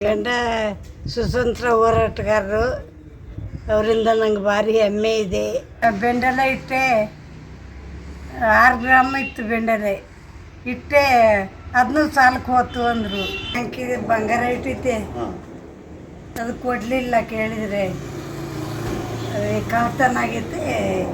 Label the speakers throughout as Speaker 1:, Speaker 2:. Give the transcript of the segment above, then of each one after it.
Speaker 1: ಗಂಡ ಸುತಂತ್ರ ಹೋರಾಟಗಾರರು, ಅವರಿಂದ ನಂಗೆ ಭಾರಿ ಹೆಮ್ಮೆ ಇದೆ. ಬೆಂಡೆಲೆ ಇಟ್ಟೆ 6 ಗ್ರಾಮ್ ಇತ್ತು. ಬೆಂಡೆಲೆ ಇಟ್ಟೆ ಅದನ್ನೂ ಸಾಲಕ್ಕೆ ಹೋತು ಅಂದರು. ಬ್ಯಾಂಕಿಗೆ ಬಂಗಾರ ಇಟ್ಟಿದ್ದೆ, ಅದು ಕೊಡಲಿಲ್ಲ. ಕೇಳಿದರೆ ಕಳ್ತನ ಆಗೈತೆ.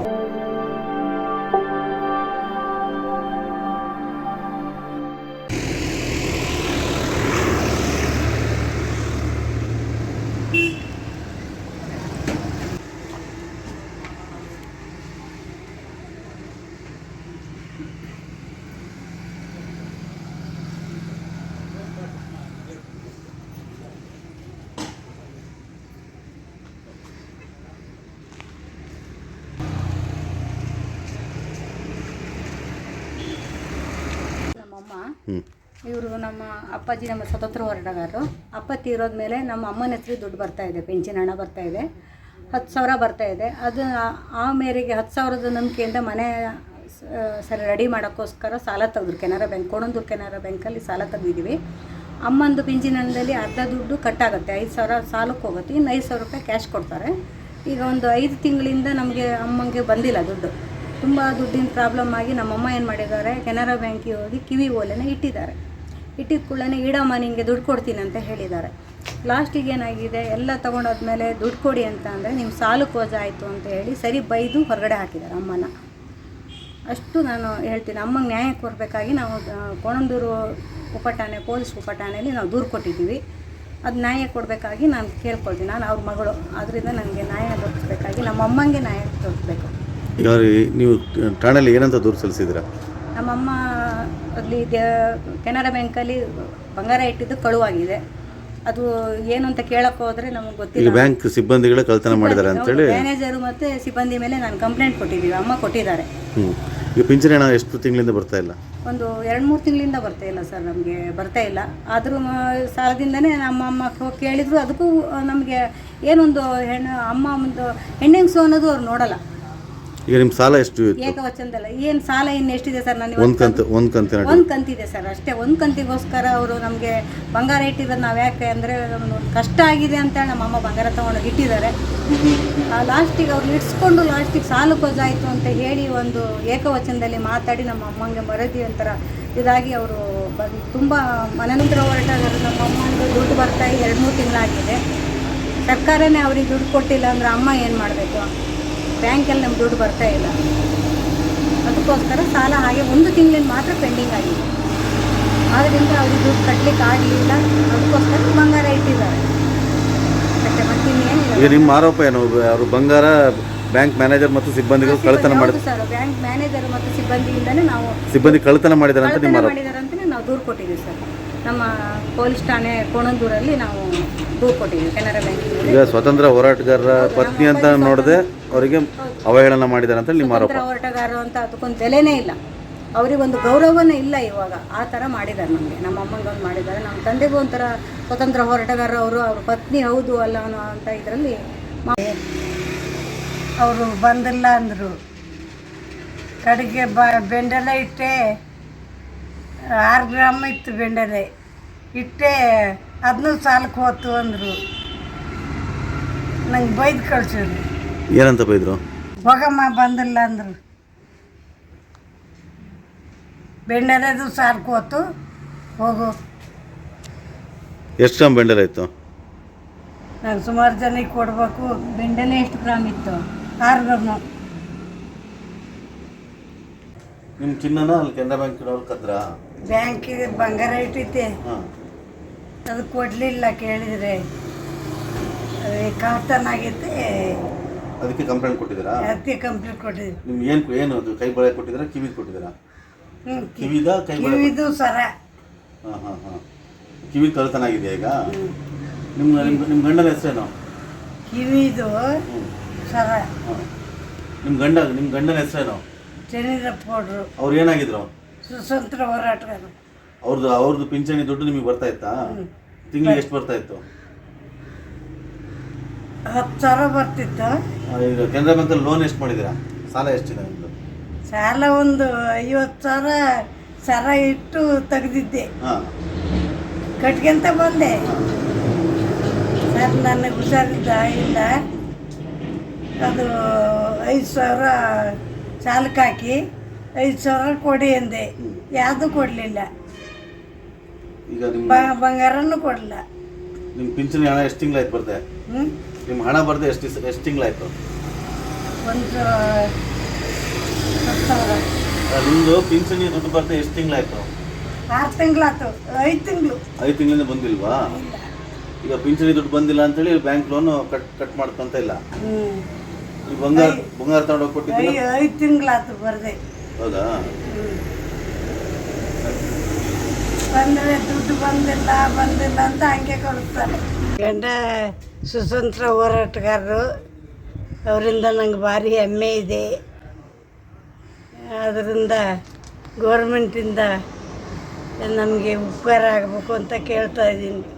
Speaker 2: ಇವರು ನಮ್ಮ ಅಪ್ಪಾಜಿ ನಮ್ಮ ಸ್ವತಂತ್ರ ಹೋರಾಟಗಾರರು. ಅಪ್ಪ ತೀರೋದ ಮೇಲೆ ನಮ್ಮ ಅಮ್ಮನ ಹೆಸರಿಗೆ ದುಡ್ಡು ಬರ್ತಾಯಿದೆ, ಪೆನ್ಷನ್ ಹಣ ಬರ್ತಾಯಿದೆ, 10,000 ಬರ್ತಾಯಿದೆ. ಅದು ಆ ಮೇರೆಗೆ 10,000ದ ನಂಬಿಕೆಯಿಂದ ಮನೆ ಸರಿ ರೆಡಿ ಮಾಡೋಕ್ಕೋಸ್ಕರ ಸಾಲ ತೆಗೆದ್ರು. ಕೆನರಾ ಬ್ಯಾಂಕ್, ಕೋಣಂದೂರು ಕೆನರಾ ಬ್ಯಾಂಕಲ್ಲಿ ಸಾಲ ತೆಗೆದಿದ್ದೀವಿ. ಅಮ್ಮಂದು ಪಿಂಚಿನ ಹಣದಲ್ಲಿ ಅರ್ಧ ದುಡ್ಡು ಕಟ್ಟಾಗುತ್ತೆ, 5,000 ಸಾಲಕ್ಕೆ ಹೋಗುತ್ತೆ, ಇನ್ನು 5,000 ರೂಪಾಯಿ ಕ್ಯಾಶ್ ಕೊಡ್ತಾರೆ. ಈಗ ಒಂದು 5 ತಿಂಗಳಿಂದ ನಮಗೆ ಅಮ್ಮಂಗೆ ಬಂದಿಲ್ಲ ದುಡ್ಡು. ತುಂಬ ದುಡ್ಡಿನ ಪ್ರಾಬ್ಲಮ್ ಆಗಿ ನಮ್ಮಮ್ಮ ಏನು ಮಾಡಿದ್ದಾರೆ, ಕೆನರಾ ಬ್ಯಾಂಕಿಗೆ ಹೋಗಿ ಕಿವಿ ಓಲೆನ ಇಟ್ಟಿದ್ದಾರೆ. ಇಟ್ಟಿದ ಕೂಡಲೇ ಇಡಮ್ಮ ನಿಮಗೆ ದುಡ್ಡು ಕೊಡ್ತೀನಿ ಅಂತ ಹೇಳಿದ್ದಾರೆ. ಲಾಸ್ಟಿಗೆ ಏನಾಗಿದೆ, ಎಲ್ಲ ತೊಗೊಂಡೋದ್ಮೇಲೆ ದುಡ್ಡು ಕೊಡಿ ಅಂತ ಅಂದರೆ ನಿಮ್ಮ ಸಾಲಕ್ಕೆ ವಜಾ ಆಯಿತು ಅಂತ ಹೇಳಿ ಸರಿ ಬೈದು ಹೊರಗಡೆ ಹಾಕಿದ್ದಾರೆ ಅಮ್ಮನ. ಅಷ್ಟು ನಾನು ಹೇಳ್ತೀನಿ, ಅಮ್ಮಂಗೆ ನ್ಯಾಯ ಕೊಡಬೇಕಾಗಿ ನಾವು ಕೋಣಂದೂರು ಉಪಠಾಣೆ, ಪೊಲೀಸ್ ಉಪಠಾಣೆಯಲ್ಲಿ ನಾವು ದೂರು ಕೊಟ್ಟಿದ್ದೀವಿ. ಅದು ನ್ಯಾಯ ಕೊಡಬೇಕಾಗಿ ನಾನು ಕೇಳ್ಕೊಳ್ತೀನಿ. ನಾನು ಅವ್ರ ಮಗಳು, ಆದ್ದರಿಂದ ನನಗೆ ನ್ಯಾಯ ದೊರಕಿಸ್ಬೇಕಾಗಿ ನಮ್ಮ ಅಮ್ಮಂಗೆ ನ್ಯಾಯ ದೊರಕಬೇಕು.
Speaker 3: ಈಗ ನೀವು ಠಾಣೆಯಲ್ಲಿ ಏನಂತ ದೂರು ಸಲ್ಲಿಸಿದ್ದೀರಾ?
Speaker 2: ನಮ್ಮಮ್ಮ ಅಲ್ಲಿ ಕೆನರಾ ಬ್ಯಾಂಕಲ್ಲಿ ಬಂಗಾರ ಇಟ್ಟಿದ್ದು ಕಳುವಾಗಿದೆ. ಅದು ಏನು ಅಂತ ಕೇಳಕ್ಕೆ ಹೋದರೆ ನಮಗೆ ಗೊತ್ತಿಲ್ಲ.
Speaker 3: ಬ್ಯಾಂಕ್ ಸಿಬ್ಬಂದಿಗಳೇ ಕಳ್ತನ ಮಾಡಿದ್ದಾರೆ ಅಂತೇಳಿ
Speaker 2: ಮ್ಯಾನೇಜರು ಮತ್ತು ಸಿಬ್ಬಂದಿ ಮೇಲೆ ನಾನು ಕಂಪ್ಲೇಂಟ್ ಕೊಟ್ಟಿದ್ದೀವಿ. ಅಮ್ಮ ಕೊಟ್ಟಿದ್ದಾರೆ.
Speaker 3: ಈಗ ಪಿಂಚಣಿ ಹಣ ಎಷ್ಟು ತಿಂಗಳಿಂದ ಬರ್ತಾ ಇಲ್ಲ?
Speaker 2: ಒಂದು 2-3 ತಿಂಗಳಿಂದ ಬರ್ತಾ ಇಲ್ಲ ಸರ್, ನಮಗೆ ಬರ್ತಾ ಇಲ್ಲ. ಆದರೂ ಸಾಲದಿಂದನೇ ನಮ್ಮ ಅಮ್ಮ ಕೇಳಿದ್ರು. ಅದಕ್ಕೂ ನಮಗೆ ಏನೊಂದು ಅಮ್ಮ ಒಂದು ಹೆಣ್ಣೆಂಗ್ಸು ಅನ್ನೋದು ಅವ್ರು ನೋಡಲ್ಲ.
Speaker 3: ಈಗ ನಿಮ್ಮ ಸಾಲ ಎಷ್ಟು ಇತ್ತು?
Speaker 2: ಏಕವಚನದಲ್ಲ. ಏನು ಸಾಲ ಇನ್ನು ಎಷ್ಟಿದೆ ಸರ್? ನಾನು
Speaker 3: ಒಂದು
Speaker 2: ಕಂತಿದೆ ಸರ್ ಅಷ್ಟೇ. ಒಂದು ಕಂತಿಗೋಸ್ಕರ ಅವರು ನಮಗೆ ಬಂಗಾರ ಇಟ್ಟಿರೋದು. ನಾವು ಯಾಕೆ ಅಂದರೆ ಕಷ್ಟ ಆಗಿದೆ ಅಂತೇಳಿ ನಮ್ಮ ಅಮ್ಮ ಬಂಗಾರ ತೊಗೊಂಡೋಗಿ ಇಟ್ಟಿದ್ದಾರೆ. ಲಾಸ್ಟಿಗೆ ಅವ್ರು ಇಡ್ಸ್ಕೊಂಡು ಲಾಸ್ಟಿಗೆ ಸಾಲಕ್ಕೆ ವಜಾಯಿತು ಅಂತ ಹೇಳಿ ಒಂದು ಏಕವಚನದಲ್ಲಿ ಮಾತಾಡಿ ನಮ್ಮ ಅಮ್ಮಂಗೆ ಮರದಿ ಒಂಥರ ಇದಾಗಿ ಅವರು ತುಂಬ ಮನನಂತರ ಹೊರಟಾದರು. ನಮ್ಮ ಅಮ್ಮನಿಗೆ ದುಡ್ಡು ಬರ್ತಾ 2-3 ತಿಂಗಳಾಗಿದೆ. ಸರ್ಕಾರನೇ ಅವ್ರಿಗೆ ದುಡ್ಡು ಕೊಟ್ಟಿಲ್ಲ ಅಂದರೆ ಅಮ್ಮ ಏನು ಮಾಡಬೇಕು? ಬ್ಯಾಂಕಲ್ಲಿ ನಮ್ಗೆ ದುಡ್ಡು ಬರ್ತಾ ಇಲ್ಲ. ಅದಕ್ಕೋಸ್ಕರ ಸಾಲ ಹಾಗೆ 1 ತಿಂಗಳಿಂದ ಮಾತ್ರ ಪೆಂಡಿಂಗ್ ಆಗಿದೆ. ಆದ್ದರಿಂದ ಅವ್ರಿಗೆ ದುಡ್ಡು ಕಟ್ಟಲಿಕ್ಕೆ ಆಗಲಿಲ್ಲ. ಅದಕ್ಕೋಸ್ಕರ ಬಂಗಾರ ಇಟ್ಟಿದ್ದಾರೆ. ಮತ್ತೆ ಇನ್ನೇನಿಲ್ಲ.
Speaker 3: ಈಗ ನಿಮ್ಮ ಆರೋಪ ಏನು? ಅವರು ಬಂಗಾರ ಬ್ಯಾಂಕ್ ಮ್ಯಾನೇಜರ್ ಮತ್ತು ಸಿಬ್ಬಂದಿಗಳು ಕಳ್ಳತನ ಮಾಡಿದ್ರು
Speaker 2: ಸರ್. ಬ್ಯಾಂಕ್ ಮ್ಯಾನೇಜರ್ ಮತ್ತು ಸಿಬ್ಬಂದಿಯಿಂದನೇ ನಾವು
Speaker 3: ಸಿಬ್ಬಂದಿ ಕಳ್ಳತನ ಮಾಡಿದ್ದಾರೆ ಅಂತ ನಿಮ್ಮ ಆರೋಪ?
Speaker 2: ಮಾಡಿದ್ದಾರೆ ಅಂತಲೇ ನಾವು ದೂರು ಕೊಟ್ಟಿದ್ದೀವಿ ಸರ್. ನಮ್ಮ ಪೊಲೀಸ್ ಠಾಣೆ ಕೋಣಂದೂರಲ್ಲಿ ನಾವು ದೂರು ಕೊಟ್ಟಿದ್ದೀವಿ ಕೆನರಾ ಬ್ಯಾಂಕಿಗೆ.
Speaker 3: ಈಗ ಸ್ವತಂತ್ರ ಹೋರಾಟಗಾರರ ಪತ್ನಿ ಅಂತ ನೋಡದೆ ಅವರಿಗೆ ಅವಹೇಳನ ಮಾಡಿದ್ದಾರೆ ಅಂತ ನಿಮ್ಮ ಆರೋಪ?
Speaker 2: ಹೋರಾಟಗಾರರು ಅಂತ ಅದಕ್ಕೊಂದು ಬೆಲೆನೇ ಇಲ್ಲ, ಅವರಿಗೊಂದು ಗೌರವನೇ ಇಲ್ಲ ಇವಾಗ. ಆ ಥರ ಮಾಡಿದ್ದಾರೆ ನಮಗೆ. ನಮ್ಮ ಅಮ್ಮಂಗೊಂದು ಮಾಡಿದ್ದಾರೆ, ನಮ್ಮ ತಂದೆಗೂ ಒಂಥರ ಸ್ವತಂತ್ರ ಹೋರಾಟಗಾರರು ಅವರು. ಅವ್ರ ಪತ್ನಿ ಹೌದು ಅಲ್ಲ ಅನ್ನೋ ಅಂತ ಇದರಲ್ಲಿ
Speaker 1: ಅವರು ಬಂದಿಲ್ಲ ಅಂದರು. ಕಡೆಗೆ ಬೆಂಡೆಲೆ ಇಟ್ಟೆ 6 ಗ್ರಾಮ್ ಇತ್ತು. ಬೆಂಡೆಲೆ ಇಟ್ಟೆ ಅದನ್ನೂ ಸಾಲಕ್ಕೆ ಹೋತು ಅಂದರು. ನಂಗೆ ಬೈದು ಕಳ್ಸಿದ್ರು.
Speaker 3: ಏನಂತ ಬೈದರು?
Speaker 1: ಹೋಗಮ್ಮ ಬಂದಿಲ್ಲ ಅಂದರು. ಬೆಂಡೆಲೆದು ಸಾಲಕ್ಕೆ ಹೋತು, ಹೋಗು.
Speaker 3: ಎಷ್ಟು ಗ್ರಾಮ್ ಬೆಂಡೆಲೆ ಇತ್ತು?
Speaker 1: ನಾನು ಸುಮಾರು ಜನಕ್ಕೆ ಕೊಡಬೇಕು.
Speaker 2: ಬೆಂಡೆಲೆ ಎಷ್ಟು ಗ್ರಾಮ್ ಇತ್ತು?
Speaker 1: 6 ಗ್ರಾಮು.
Speaker 3: ನಿಮ್ಮ ಚಿನ್ನನ ಅಲ್ಲಿ ಕೆನರಾ ಬ್ಯಾಂಕಿನವ್ರು ಕದ್ರ?
Speaker 1: ಬ್ಯಾಂಕಿಗೆ ಬಂಗಾರ ಇಟ್ಟಿದ್ದೆ, ಅದು ಕೊಡಲಿಲ್ಲ. ಕೇಳಿದರೆ ಕಳ್ತನ ಆಗೈತೆ.
Speaker 3: ಅದಕ್ಕೆ ಕಂಪ್ಲೇಂಟ್ ಕೊಟ್ಟಿದ್ದೀರಾ?
Speaker 1: ಅದಕ್ಕೆ ಕಂಪ್ಲೇಂಟ್ ಕೊಟ್ಟಿದ್ದೆ.
Speaker 3: ನಿಮ್ಗೆ ಏನು ಅದು ಕೈ ಬಳೆ ಕೊಟ್ಟಿದ್ದೀರಾ, ಕಿವಿದು ಕೊಟ್ಟಿದ್ದೀರಾ? ಕಿವಿದ ಕೈ ಬಳೆ?
Speaker 1: ಕಿವಿದು ಸರ.
Speaker 3: ಕಿವಿ ಕಳ್ತನ ಆಗಿದೆ ಈಗ. ನಿಮ್ಮ ಗಂಡನ ಹೆಸರೇನು?
Speaker 1: ಕಿವಿದು ಸರ.
Speaker 3: ನಿಮ್ಮ ಗಂಡನ ಹೆಸರೇನು?
Speaker 1: ಚೆನ್ನೀರಪ್ಪ ಗೌಡ್ರು.
Speaker 3: ಅವ್ರು ಏನಾಗಿದ್ರು?
Speaker 1: ಸ್ವತಂತ್ರ ಹೋರಾಟಗಾರ.
Speaker 3: ಅವ್ರದ್ದು ಪಿಂಚಣಿ ದುಡ್ಡು ನಿಮಗೆ ಬರ್ತಾ ಇತ್ತಾ? ತಿಂಗಳಿಗೆ ಎಷ್ಟು ಬರ್ತಾ ಇತ್ತು?
Speaker 1: 10,000 ಬರ್ತಿತ್ತು.
Speaker 3: ಈಗ ಕೆನರಾ ಬ್ಯಾಂಕಲ್ಲಿ ಲೋನ್ ಎಷ್ಟು ಮಾಡಿದ್ದೀರಾ? ಸಾಲ ಎಷ್ಟಿದೆ ನಿಮ್ಮದು?
Speaker 1: ಸಾಲ ಒಂದು 50,000 ಸರ ಇಟ್ಟು ತೆಗೆದಿದ್ದೆ. ಕಟ್ಕೊಂತ ಬಂದೆ. ನನಗೆ ಹುಷಾರಿದ್ದ ಇಲ್ಲ, ಅದು 5,000 ಚಾಲಕ್ಕೆ ಹಾಕಿ 5,000 ಕೊಡಿ ಅಂದೆ, ಯಾವುದೂ ಕೊಡಲಿಲ್ಲ.
Speaker 3: ಈಗ ನಿಮ್ಮ
Speaker 1: ಬಂಗಾರನೂ ಕೊಡಲಿಲ್ಲ.
Speaker 3: ನಿಮ್ಮ ಪಿಂಚಣಿ ಹಣ ಎಷ್ಟು ತಿಂಗಳಾಯ್ತು ಬರ್ದೆ?
Speaker 1: ಹ್ಞೂ
Speaker 3: ನಿಮ್ಮ ಹಣ ಬರ್ದೆ ಎಷ್ಟು ತಿಂಗಳಾಯ್ತು?
Speaker 1: ಒಂದು 10,000.
Speaker 3: ನಿಮ್ಮದು ಪಿಂಚಣಿ ದುಡ್ಡು ಬರ್ದೆ ಎಷ್ಟು ತಿಂಗಳಾಯ್ತು?
Speaker 1: 6 ತಿಂಗಳಾಯ್ತು. 5 ತಿಂಗಳು
Speaker 3: 5 ತಿಂಗಳಿಂದ ಬಂದಿಲ್ವಾ?
Speaker 1: ಇಲ್ಲ.
Speaker 3: ಈಗ ಪಿಂಚಣಿ ದುಡ್ಡು ಬಂದಿಲ್ಲ ಅಂತೇಳಿ ಬ್ಯಾಂಕ್ ಲೋನು ಕಟ್ ಮಾಡ್ಕೊಂತ ಇಲ್ಲ.
Speaker 1: ಹ್ಞೂ
Speaker 3: ಈ ಬಂಗಾರ ತಗೊಂಡೋಗಿ ಕೊಟ್ಟಿದ್ದಿಲ್ಲ?
Speaker 1: 5 ತಿಂಗಳಾಯ್ತು ಬರದೆ.
Speaker 3: ಹೌದಾ?
Speaker 1: ಬಂದರೆ ದುಡ್ಡು ಬಂದಿಲ್ಲ ಅಂತ ಹಂಗೆ ಕಳಿಸ್ತಾರೆ. ಗಂಡ ಸುತಂತ್ರ ಹೋರಾಟಗಾರರು, ಅವರಿಂದ ನಂಗೆ ಭಾರಿ ಹೆಮ್ಮೆ ಇದೆ. ಅದರಿಂದ ಗೌರ್ಮೆಂಟಿಂದ ನಮಗೆ ಉಪಕಾರ ಆಗಬೇಕು ಅಂತ ಕೇಳ್ತಾ ಇದ್ದೀನಿ.